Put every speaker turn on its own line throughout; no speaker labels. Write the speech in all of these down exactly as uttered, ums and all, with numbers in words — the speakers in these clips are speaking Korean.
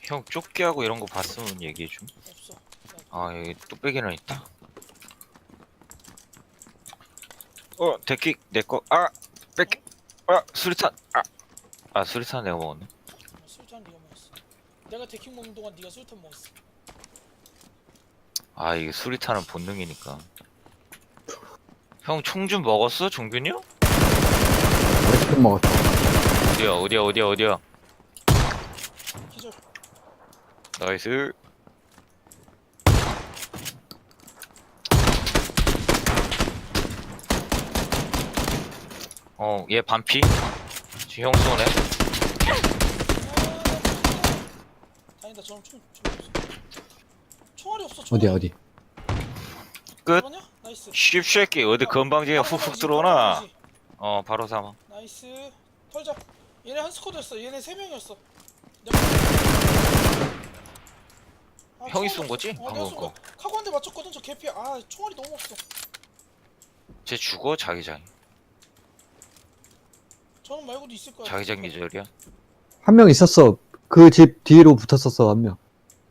형 쫓기하고 이런 거 봤으면 얘기해 줌.
없어.
아 여기 뚝배기는 있다. 어 데킥 내거 아 뺏. 아 수리탄 아. 아 수리탄 내가 먹었네.
어, 술탄 네가 먹었어. 내가 데킹 먹는 동안 네가 술탄 먹었어.
아 이게 수리탄은 본능이니까. 형 총 좀 먹었어 종균이 형?
맛있게 먹었다.
어디야 어디야 어디야 어디야.
기절.
나이스. 어 얘 반피. 지금 형 쏘네.
다행이다. 저는 총, 총 없어. 총알이 없어. 총알이.
어디야 어디?
끝.
잡았냐? 나이스.
쉽새끼 어디 건방지게
바로
훅훅
잡아야지,
들어오나.
바로 잡아야지.
어 바로 삼아.
나이스. 털자. 얘네 한 스쿼드였어. 얘네 세 명이었어. 내가... 아,
형이
총알이
쏜
없어.
거지?
어, 내가
방금
쏜
거.
거야. 카고 한 대 맞췄거든. 저 개피. 아, 총알이 너무 없어.
쟤 죽어 자기장.
저는 말고도 있을 거야.
자기장 기절이야.
한 명 있었어. 그 집 뒤로 붙었었어 한 명.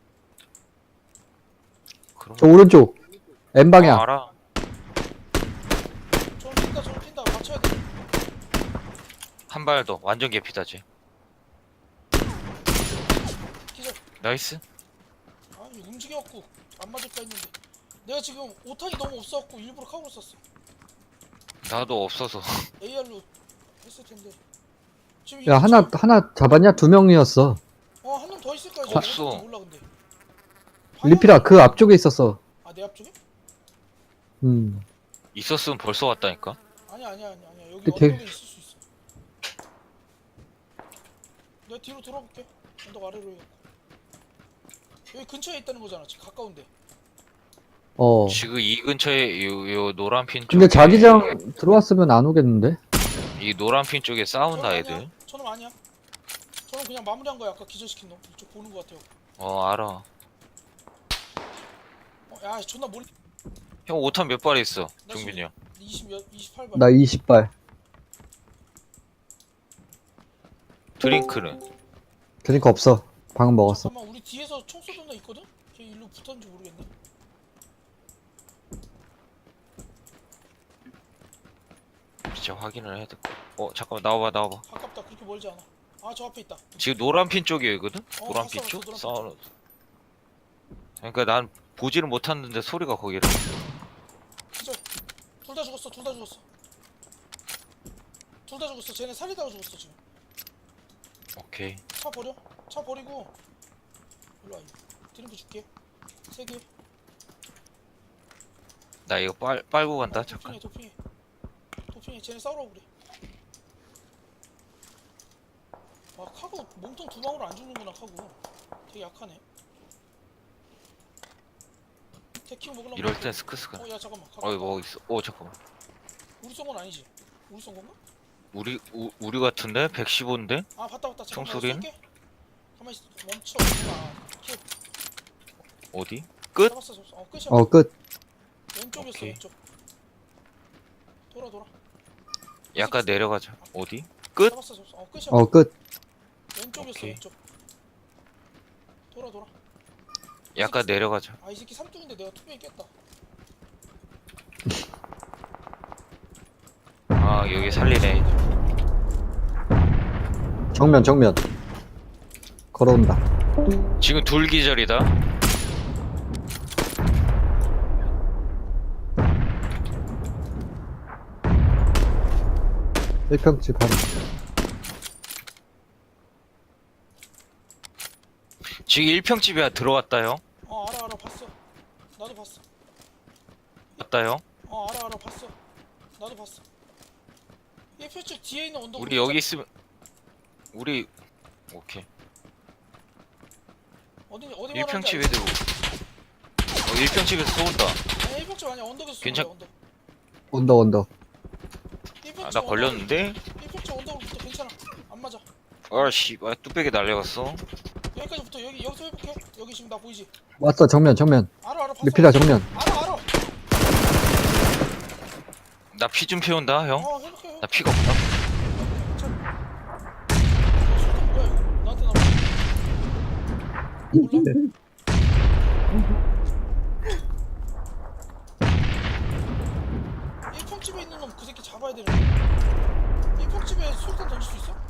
그럼
저 오른쪽 N 방향.
아, 알아.
저는 뛴다. 저는 뛴다. 맞춰야 돼.
한 발 더 완전 개피다 쟤.
기절.
나이스.
아, 이거 움직여갖고 안 맞을까 했는데. 내가 지금 오탄이 너무 없어갖고 일부러 카고를 썼어.
나도 없어서.
에이알로 했을 텐데. 지금
야
이거
하나
지금-
하나 잡았냐? 두 명이었어.
어, 한 명 더 있을 거야.
없어.
몰라 근데.
리피라 그 앞쪽에 있었어.
아, 내 앞쪽에?
음.
있었으면 벌써 왔다니까.
아니야, 아니야, 아니야, 아니야. 여기
근데
언덕에
되-
있을 수 있어. 내가 뒤로 돌아볼게. 언덕 아래로 해갖고. 여기 근처에 있다는 거잖아. 지금 가까운데.
어.
지금 이 근처에 요, 요 노란 핀 쪽에.
근데 자기장 들어왔으면 안 오겠는데?
이 노란 핀 쪽에 싸운다
저놈
애들.
아니야. 저놈 아니야. 저놈 그냥 마무리한 거야. 아까 기절시킨 놈. 이쪽 보는 거 같아요.
어 알아.
어, 야, 존나 멀리.
형 오탄 몇 발 있어?
나
종균이 형.
이십 몇, 이십팔 발.
나 이십 발.
드링크는.
그러니까 없어. 방금 먹었어.
잠깐만, 우리 뒤에서 총 쏘던 애 있거든? 걔 일로 붙었는지 모르겠네.
진짜 확인을 해야 될 거. 어 잠깐만 나와봐 나와봐.
가깝다. 그렇게 멀지 않아. 아, 저 앞에 있다.
지금 노란 핀 쪽이거든?
어,
노란
봤어,
핀
봤어,
쪽?
노란 핀
싸우는. 그러니까 난 보지를 못했는데 소리가 거기를.
기절. 둘 다 죽었어. 둘 다 죽었어. 둘 다 죽었어. 쟤네 살리다가 죽었어 지금.
오케이.
차 버려. 차 버리고. 일로 와. 드링크 줄게. 세 개.
나 이거 빨 빨고 간다.
어,
잠깐.
도핑해, 도핑해. 도핑해. 쟤네 싸우라고 그래. 와, 카고 몸통 두 방울 안 죽는구나. 카고 되게 약하네. 테키오 먹으려고.
이럴 땐 스크스가.
어, 야 잠깐만.
어이 뭐 있어? 오 잠깐만.
우리 쏜 건 아니지? 우리 쏜 건가?
우리 우, 우리 같은데 백십오인데?
아, 봤다 봤다. 잠깐만.
총소리는?
쏠게. 가만히 있어. 멈춰. 아, 킬.
어디? 끝?
잡았어, 잡았어. 어, 끝이야.
어 끝.
왼쪽이었어.
오케이.
왼쪽. 돌아 돌아.
약간 내려가자. 어디? 끝?
잡았어, 잡았어. 어, 끝이야.
어 끝.
왼쪽이었어.
오케이.
왼쪽. 돌아 돌아.
약간 내려가자.
아, 이 새끼 삼뚝인데 내가 투명이 깼다.
아 여기 살리네.
정면 정면. 걸어온다.
지금 둘 기절이다.
일평집 한.
지금 일평집에 들어왔다 형.
어, 알아 알아. 봤어. 나도 봤어.
왔다 형.
어, 알아 알아. 봤어. 나도 봤어. 이 표쪽 뒤에 있는 언덕.
우리 여기 있으면 우리 오케이.
어디 어디
일평집 애들. 어 일평집에서 쏘온다.
아니, 일평집 아니야. 언덕에서
괜찮-
쏜 거야, 언덕.
언덕 언덕.
일평집
아 나 걸렸는데?
일평집 언덕으로 붙어. 괜찮아. 안 맞아.
아씨 아, 뚝배기 날려갔어.
여기까지 붙어. 여기 여기서 회복해. 여기 지금 나 보이지?
왔어 정면 정면.
알아 알아. 봤어.
리피라 정면.
알아 알아.
나 피 좀 피운다 형.
어, 회복해. 회복해.
나 피가 없다.
괜찮아. 어, 술탄 뭐야 이거? 나한테 나와. 몰라? 일 평집에 있는 놈 그 새끼 잡아야 되는데. 일 평집에 술탄 던질 수 있어?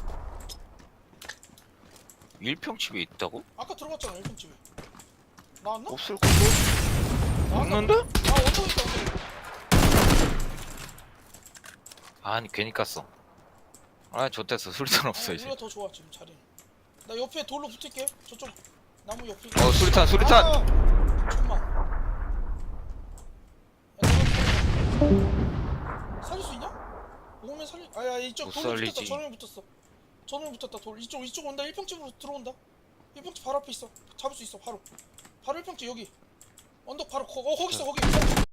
일 평집에 있다고?
아까 들어갔잖아 일 평집에. 나왔나?
없을 건데?
나왔나?
없는데?
아 언덕 있다 언덕.
아니 괜히 깠어. 아 좋댔어. 수류탄 없어
아니,
이제.
우리가 더 좋아 지금 자리는. 나 옆에 돌로 붙을게. 저쪽 나무 옆에.
어 수류탄 수류탄.
아, 잠깐만. 야, 너가 살릴 수 있냐? 오면 살리. 아야 이쪽
못
돌로 붙었다.
살리지.
전에 붙었어. 전에 붙었다. 돌 이쪽 이쪽 온다. 일 평집으로 들어온다. 일 평집 바로 앞에 있어. 잡을 수 있어 바로. 바로 일 평집 여기. 언덕 바로 거, 어 거기 있어 거기.